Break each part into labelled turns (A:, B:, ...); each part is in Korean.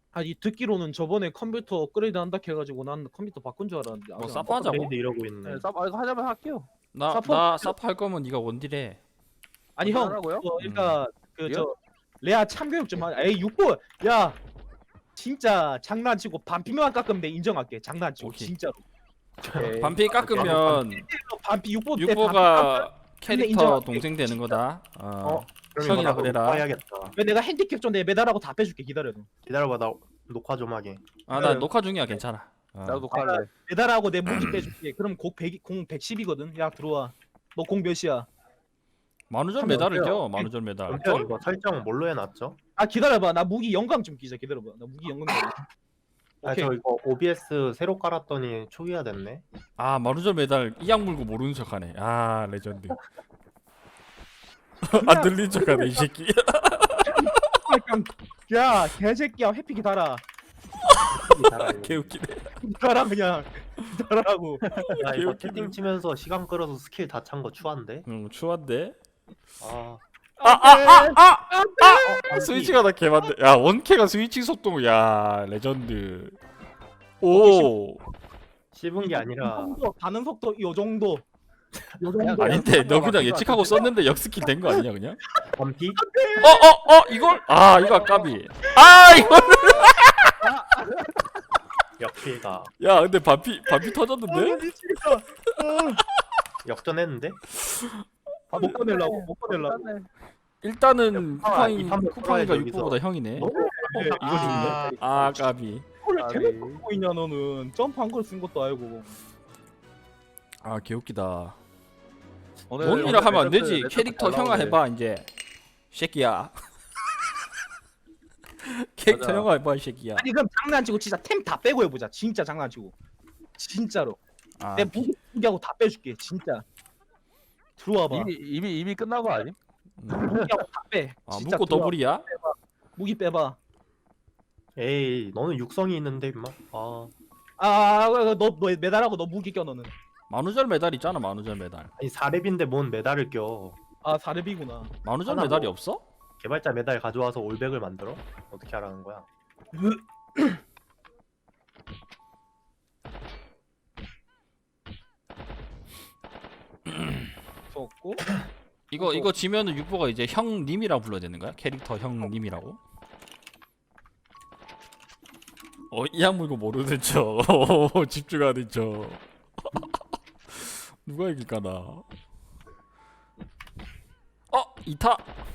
A: 아니 듣기로는 저번에 컴퓨터 업그레이드 한다 해가지고 난 컴퓨터 바꾼 줄 알았는데
B: 뭐
A: 아직 안
B: 사파 하자고?
C: 업그레이드 이러고 있네.
D: 네, 이거 하자면 할게요.
B: 나 사파 할 거면 네가 원딜해.
A: 아니 형
D: 하라고요?
A: 그러니까 그
D: 예?
A: 저 레아 참교육 좀 하자. 에이 6보 야 진짜 장난치고 반피만 깎으면 내 인정할게. 장난치고
B: 오케이.
A: 진짜로.
D: 오케이.
B: 반피 깎으면
A: 반피 6보 때 반피
B: 육보가 캐릭터
A: 인정할게.
B: 동생 되는 거다.
C: 그럼
B: 형이라
C: 이거 나도
B: 그래라.
C: 녹화해야겠다.
A: 왜 내가 핸디캡 좀 내 매달하고 다 빼줄게. 기다려.
C: 기다려봐, 나 녹화 좀 하게.
B: 나 녹화 중이야 괜찮아.
D: 나도 녹화할래.
A: 매달하고 내 무기 빼줄게. 그럼 공 110이거든. 야 들어와. 너 공 몇이야?
B: 만우절
C: 하면
B: 메달을
C: 어때요?
B: 껴. 만우절 메달.
C: 그럼 이거 설정 뭘로 해놨죠?
A: 아 기다려봐. 나 무기 영광 좀 끼자. 기다려봐. 나 무기 영광 좀.
C: 아,
A: 오케이.
C: 저 이거 OBS 새로 깔았더니 초기화 됐네.
B: 만우절 메달 이악 물고 모르는 척하네. 레전드. 안 들린 척하네 이 새끼.
A: 야 개새끼야 회피기 달아.
B: 개웃기네.
A: 달아 그냥. 달아라고.
C: 야, 이거
B: 개웃기네.
C: 채팅 치면서 시간 끌어서 스킬 다 찬 거 추한데?
B: 추한데. 스위치가 다 개만데. 야 원캐가 스위치 속도 야 레전드. 오.
C: 씹은 게 아니라
A: 가는 속도 요 정도. 요
D: 그냥
A: 정도.
B: 아닌데 너 그냥 예측하고 썼는데 역스킬 된 거 아니냐 그냥?
C: 반피?
B: 이걸 이거 아까비. 이걸.
C: 역피가
B: 야 근데 반피 터졌는데?
C: 역전했는데?
A: 못 꺼내려고 못 꺼내려고.
B: 일단은
C: 이 판도
B: 쿠팡이가
C: 풀어야지,
B: 6보다 형이네.
C: 이거 죽네.
B: 까비.
A: 그걸
D: 아니.
A: 대놓고 보고 있냐 너는. 점프한 걸 쓴 것도 알고.
B: 개웃기다.
D: 오늘
B: 뭔이라 하면 안 되지.
D: 레전드
B: 캐릭터
D: 잘
B: 형아
D: 나오네.
B: 해봐 이제. 새끼야. 캐릭터
D: 맞아.
B: 형아 해봐 이 새끼야.
A: 아니 그럼 장난치고 진짜 템 다 빼고 해보자. 진짜 장난치고. 진짜로. 내 무기하고 다 빼줄게. 진짜. 들어와봐.
D: 이미 끝난 거 아니?
A: 무기하고 다 빼. 진짜
B: 묶고
A: 들어와.
B: 더블이야?
A: 무기 빼봐.
C: 에이, 너는 육성이 있는데 임마.
A: 너 매달하고 너 무기 껴 너는.
B: 만우절 메달 있잖아 만우절 메달.
C: 아니 4렙인데 뭔 메달을 껴.
A: 사렙이구나.
B: 만우절
C: 하나
B: 메달이
C: 뭐.
B: 없어?
C: 개발자 메달 가져와서 올백을 만들어? 어떻게 하라는 거야?
A: 좋고.
B: 이거 지면은 육보가 이제 형님이라 불러야 되는 거야? 캐릭터 형님이라고? 이악 물고 모르는 척. 집중하는 척. 누가 이길까나? 2타.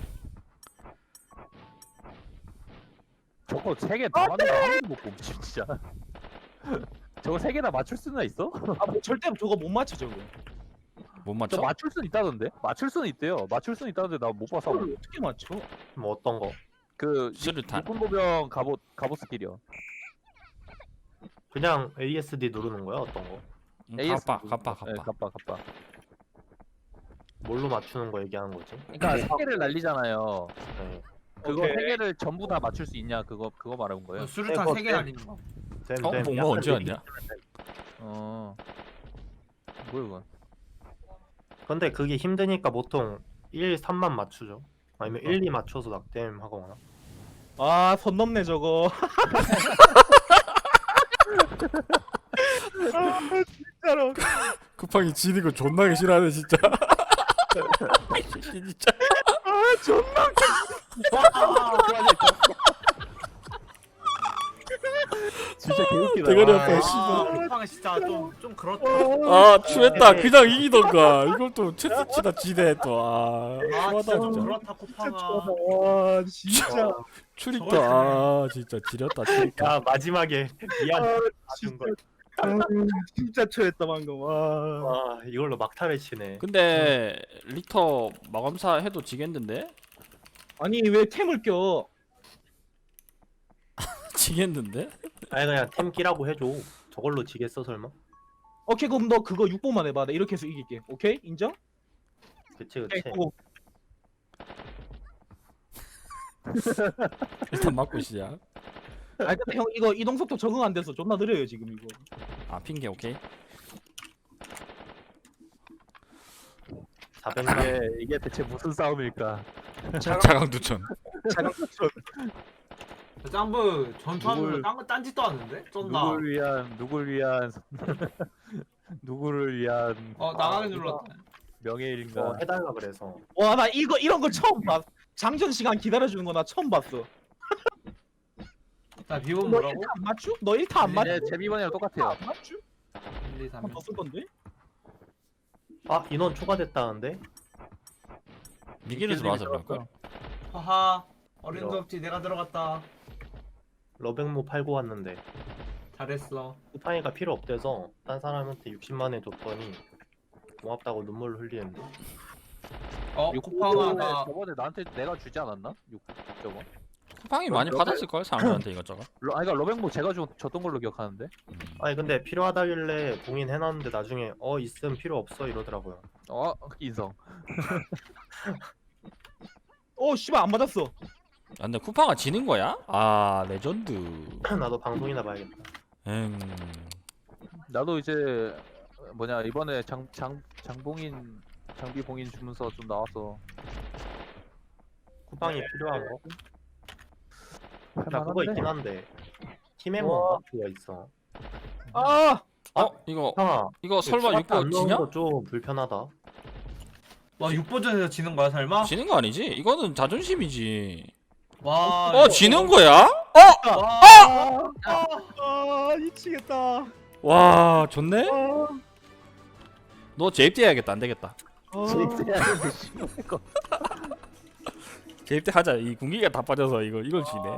D: 저거 3개 다 맞는 거한 번도 못 봄, 진짜. 저거 3개 다 맞출 수는 있어?
A: 뭐 절대 저거 못 맞춰 저거.
B: 못
D: 저
B: 맞춰?
D: 맞출 수는 있다던데? 맞출 수는 있대요. 맞출 수는 있다는데 나 못 봐서.
A: 저걸 어떻게 맞춰?
C: 뭐 어떤 거?
D: 그
B: 수류탄.
D: 육군보병 갑옷 스킬이요.
C: 그냥 ASD 누르는 거야? 어떤 거?
B: 갑바.
D: 네, 갑바.
C: 뭘로 맞추는 거 얘기하는 거지?
D: 그러니까 3개를 날리잖아요.
C: 네.
D: 그거
A: 오케이.
D: 3개를 전부 다 맞출 수 있냐 그거 말하는 거예요.
E: 수류탄 3개 날리는 거.
C: 쌤,
B: 봉마
C: 약간
B: 언제
C: 얘기-
B: 왔냐?
D: 뭐야 이건?
C: 근데 그게 힘드니까 보통 1, 3만 맞추죠. 아니면
D: 어.
C: 1, 2 맞춰서 낙뎀 하거나.
A: 선 넘네 저거. 진짜로.
B: 쿠팡이 지는 거 존나게 싫어하네 진짜. 진짜.
A: 존나.
D: 진짜 개웃기다.
B: 대가리
D: 와.
B: 아파, 씨발.
E: 쿠팡 진짜 좀 그렇다.
B: 추했다. 그냥 이기던가. 이걸 또 채스치다 지네 또.
E: 아
B: 추하다
E: 진짜 좀
B: 진짜.
E: 그렇다 쿠팡아.
A: 와 진짜.
B: 추리까. 진짜 지렸다 추리까.
C: 야, 마지막에 미안. 맞은
A: 진짜.
C: 걸.
A: 진짜 초했다 방금. 와.
C: 와, 이걸로 막타를 치네.
B: 근데 리터 마감사 해도 지겠는데?
A: 아니 왜 템을 껴?
B: 지겠는데?
C: 아니 그냥 템 끼라고 해줘. 저걸로 지겠어 설마?
A: 오케이 그럼 너 그거 6번만 해봐. 나 이렇게 해서 이길게. 오케이 인정?
C: 그치
A: 오케이,
C: 그치.
A: 고.
B: 일단 맞고 시작.
A: 아 근데 형 이거 이동 속도 적응 안 돼서 존나 느려요 지금 이거.
B: 핑계 오케이.
C: 400만.
D: 이게 대체 무슨 싸움일까?
B: 자강두천.
A: 자강
E: 짬브 전투하면서 딴 짓도 하는데? 쩐다.
D: 누굴 위한 누구를 위한
E: 나가게 눌렀다.
D: 명예일인가?
C: 해달라 그래서.
A: 와 나 이런 거 처음 봤. 장전 시간 기다려주는 거 나 처음 봤어.
E: 자 비번
A: 너
E: 뭐라고?
A: 1타 안 맞추? 너 1타 안 맞추?
D: 제비번이랑 똑같아요.
A: 안 맞추?
E: 1, 2, 3.
A: 한번 더쓸 건데?
C: 인원 추가됐다는데?
B: 니기를 들어와서 그럴걸?
E: 하하. 어림도
C: 이런.
E: 없지. 내가 들어갔다.
C: 러백모 팔고 왔는데
E: 잘했어.
C: 쿠팡이가 필요 없대서 딴 사람한테 60만에 줬더니 고맙다고 눈물을 흘리는데.
E: 쿠팡아 나
D: 저번에 나한테 내가 주지 않았나? 6.5.
B: 쿠팡이 많이 받았을걸 사람들한테 이것저것.
D: 그러니까 러백모 제가 줬던 걸로 기억하는데.
C: 아니 근데 필요하다길래 봉인해놨는데 나중에 있음 필요 없어 이러더라고요.
D: 인성.
A: 씨발 안 맞았어.
B: 아, 근데 쿠팡아 지는 거야? 아 레전드.
C: 나도 방송이나 봐야겠다.
D: 나도 이제 이번에 장봉인 장비 봉인 주문서 좀 나와서
C: 쿠팡이 필요한 거? 나 그거
D: 할만한데?
C: 있긴 한데 팀에몬가 그거 있어.
B: 이거
C: 쿠팡아
B: 설마
C: 안
B: 6보
C: 넣은
B: 지냐?
C: 거 좀 불편하다.
E: 와 6버전에서 지는 거야 설마?
B: 지는 거 아니지? 이거는 자존심이지.
E: 와
B: 지는 거야?
A: 미치겠다.
B: 와 좋네? 너 재입대 해야겠다. 안 되겠다. 재입대 하자. 이 군기가 다 빠져서 이걸 지네.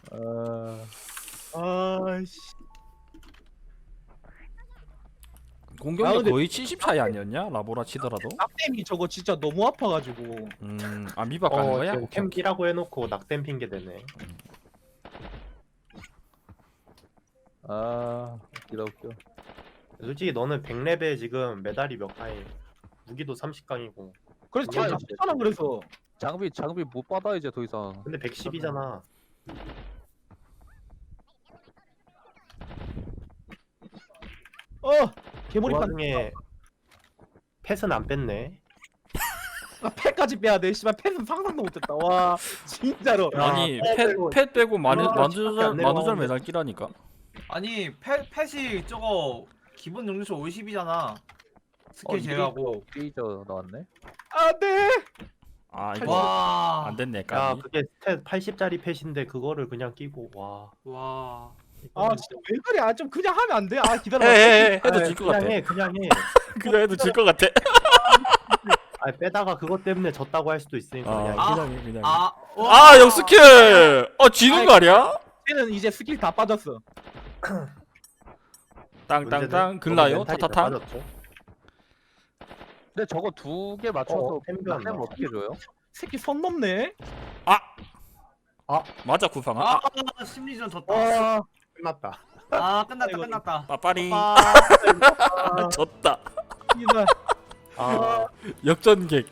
A: 아씨.
B: 공격력
A: 근데-
B: 거의 70 차이 아니었냐? 라보라 치더라도.
A: 낙댐이 저거 진짜 너무 아파가지고.
B: 미박 가는 거야? 오케이, 오케이.
C: 캠피라고 해놓고 낙댐 핑계 대네.
D: 웃겨.
C: 솔직히 너는 100레벨 지금 메달이 몇 강이 무기도 30강이고
A: 그래서 제가
C: 아니,
A: 잡잖아 그래서.
D: 장비 못 받아 이제 더 이상.
C: 근데 110이잖아. 그
A: 개머리판.
C: 와중에 펫은 안 뺐네.
A: 패까지 빼야 돼. 씨발 패는 상상도 못했다. 와 진짜로.
B: 아니
C: 빼고-
B: 팻 빼고
C: 밖에 안
B: 만우절
C: 내려가는데.
B: 매달 끼라니까.
E: 아니 펫이 저거 기본 능력치 50이잖아. 스킬 제외하고.
D: 페이저 나왔네.
A: 안돼.
B: 아 이거
E: 와.
B: 안 됐네.
C: 야
B: 까비.
C: 그게 스탯 80짜리 펫인데 그거를 그냥 끼고 와.
E: 와.
A: 진짜 왜 그래? 좀 그냥 하면 안 돼? 기다려.
B: 해도 질 것 같아.
C: 그냥 해.
B: 그냥 해도 질 것 같아.
C: 빼다가 그것 때문에 졌다고 할 수도 있으니까 그냥 해.
B: 그냥 해 그냥.
E: 와.
B: 역스킬. 지는 거 아니야?
A: 쟤는 이제 스킬 다 빠졌어.
B: 땅땅땅 글라요
C: 멘탈이
B: 타타타.
C: 빠졌죠.
D: 근데 저거 2개 맞춰서
C: 템변
D: 낙뎀 어떻게 줘요?
A: 새끼 선 넘네.
B: 맞아 쿠팡아.
E: 심리전 졌다.
C: 끝났다.
E: 끝났다
A: 아이고.
E: 끝났다.
B: 빠빠리.
A: 아,
B: 졌다.
A: 이거.
B: 역전객.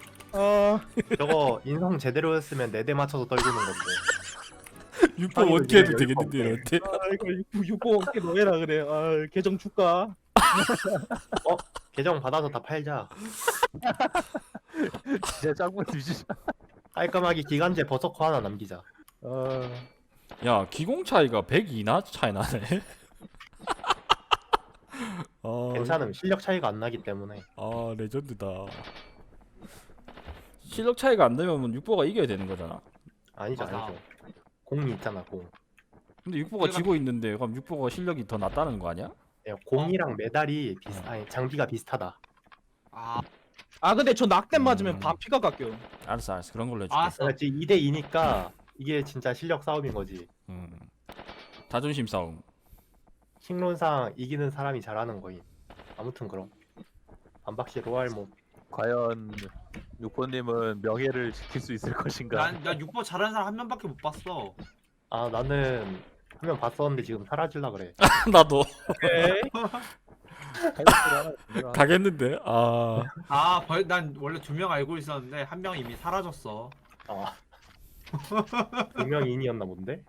C: 저거 인성 제대로 했으면 4대 맞춰서 떨구는 건데.
B: 6번 어떻게 해도 되겠는데 이런데.
A: 이거 6번 어떻게 너해라 그래. 계정 줄까?
C: 계정 받아서 다 팔자.
D: 진짜 짱구 뒤지자.
C: 깔끔하게 기간제 버서커 하나 남기자.
B: 야 기공 차이가 102나 차이 나네.
C: 괜찮음. 실력 차이가 안 나기 때문에.
B: 레전드다. 실력 차이가 안 되면 6보가 이겨야 되는 거잖아.
C: 아니죠,
E: 맞아.
C: 아니죠. 공이 있잖아, 공.
B: 근데 6보가 지고 있는데 그럼 6보가 실력이 더 낫다는 거 아니야?
C: 공이랑 메달이 아니 장비가 비슷하다.
A: 근데 저 낙댐 맞으면
B: 음.
A: 바피가 깎여.
B: 알았어 그런 걸로 해줄게.
E: 알았어.
C: 그러니까 지금 2대 2니까 이게 진짜 실력 싸움인 거지.
B: 자존심 싸움.
C: 킹론상 이기는 사람이 잘하는 거임. 아무튼 그럼 반박시 로얄 뭐
D: 과연 6번님은 명예를 지킬 수 있을 것인가?
E: 난 6버 잘하는 사람 한 명밖에 못 봤어.
C: 나는 한 명 봤었는데 지금 사라질라 그래.
B: 나도
A: 오케이.
B: 가겠는데.
E: 난 원래 2명 알고 있었는데 한 명 이미 사라졌어.
C: 분명인이었나 본데?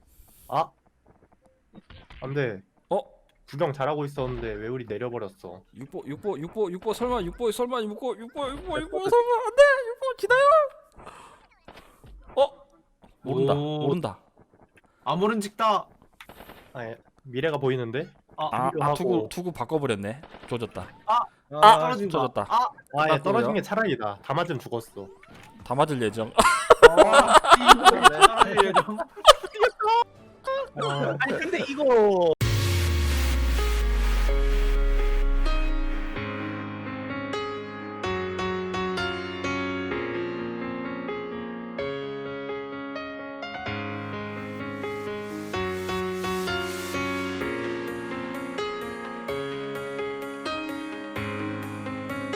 C: 안돼. 구경 잘하고 있었는데 왜 우리 내려버렸어?
B: 6보 설마 6보 설마 6보 설마 안돼 6보 기다려. 모른다.
E: 아무런 직다.
C: 아니, 미래가 보이는데?
B: 투구 바꿔버렸네. 조졌다.
E: 떨어진다.
B: 조졌다.
C: 아, 얘 떨어진
B: 바꾸고요.
C: 게 차라리다. 다 맞으면 죽었어.
B: 다 맞을 예정.
E: 떨어질 예정.
A: 아니 근데 이거